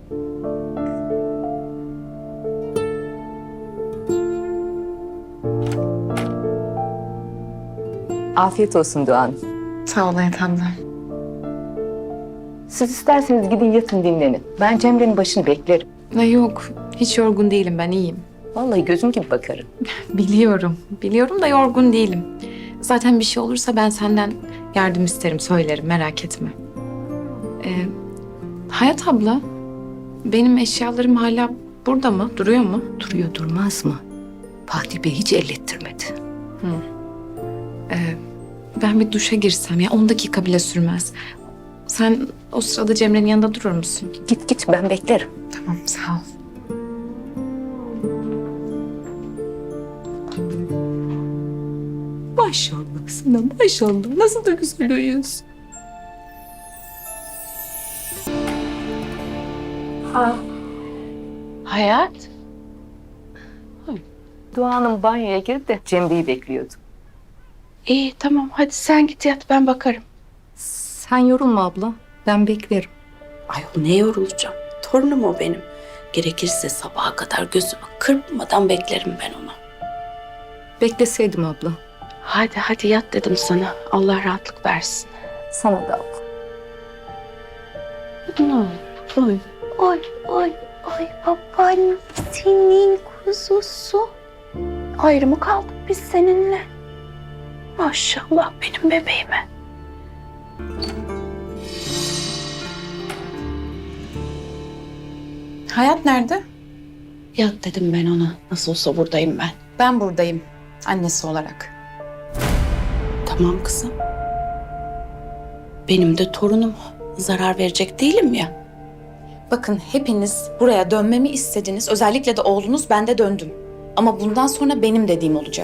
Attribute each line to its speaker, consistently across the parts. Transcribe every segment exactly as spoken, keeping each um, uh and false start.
Speaker 1: Afiyet olsun Doğan.
Speaker 2: Sağ ol Hayat abla.
Speaker 1: Siz isterseniz gidin yatın dinlenin. Ben Cemre'nin başını beklerim.
Speaker 2: Ne yok, hiç yorgun değilim, ben iyiyim.
Speaker 1: Vallahi gözüm gibi bakarım.
Speaker 2: Biliyorum, biliyorum da yorgun değilim. Zaten bir şey olursa ben senden yardım isterim, söylerim, merak etme. Ee, Hayat abla, benim eşyalarım hala burada mı, duruyor mu?
Speaker 1: Duruyor durmaz mı? Fatih Bey hiç ellettirmedi.
Speaker 2: Ee, Ben bir duşa girsem ya, on dakika bile sürmez. Sen o sırada Cemre'nin yanında durur musun?
Speaker 1: Git git ben beklerim.
Speaker 2: Tamam, sağ ol.
Speaker 1: Maşallah sana maşallah. Nasıl da güzel uyuyorsun.
Speaker 3: Hayat,
Speaker 1: Doğan'ın banyoya girdi de Cemre'yi bekliyordu.
Speaker 3: iyi tamam hadi sen git yat ben bakarım.
Speaker 1: Sen yorulma abla. Ben beklerim.
Speaker 3: Ayol ne yorulacağım? Torunum o benim. Gerekirse sabaha kadar gözümü kırpmadan beklerim ben onu.
Speaker 1: Bekleseydim abla.
Speaker 3: Hadi hadi yat dedim sana. Allah rahatlık versin.
Speaker 1: Sana da abla.
Speaker 3: Ne olur, oy. Oy, oy, oy babaannem senin kuzusu. Ayrı mı kaldık biz seninle? Maşallah benim bebeğime.
Speaker 2: Hayat nerede?
Speaker 3: Yat dedim ben ona. Nasıl olsa buradayım ben.
Speaker 2: Ben buradayım, annesi olarak.
Speaker 3: Tamam kızım. Benim de torunum. Zarar verecek değilim ya.
Speaker 4: Bakın hepiniz buraya dönmemi istediniz. Özellikle de oğlunuz, ben de döndüm. Ama bundan sonra benim dediğim olacak.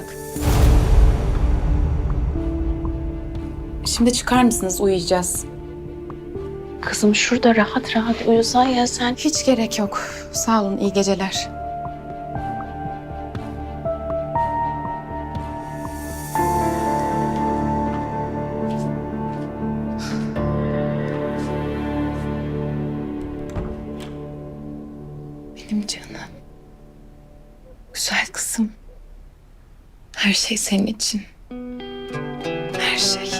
Speaker 4: Şimdi çıkar mısınız? Uyuyacağız.
Speaker 3: Kızım şurada rahat rahat uyusan ya sen.
Speaker 2: Hiç gerek yok. Sağ olun, iyi geceler. Benim canım. Güzel kızım. Her şey senin için. Her şey.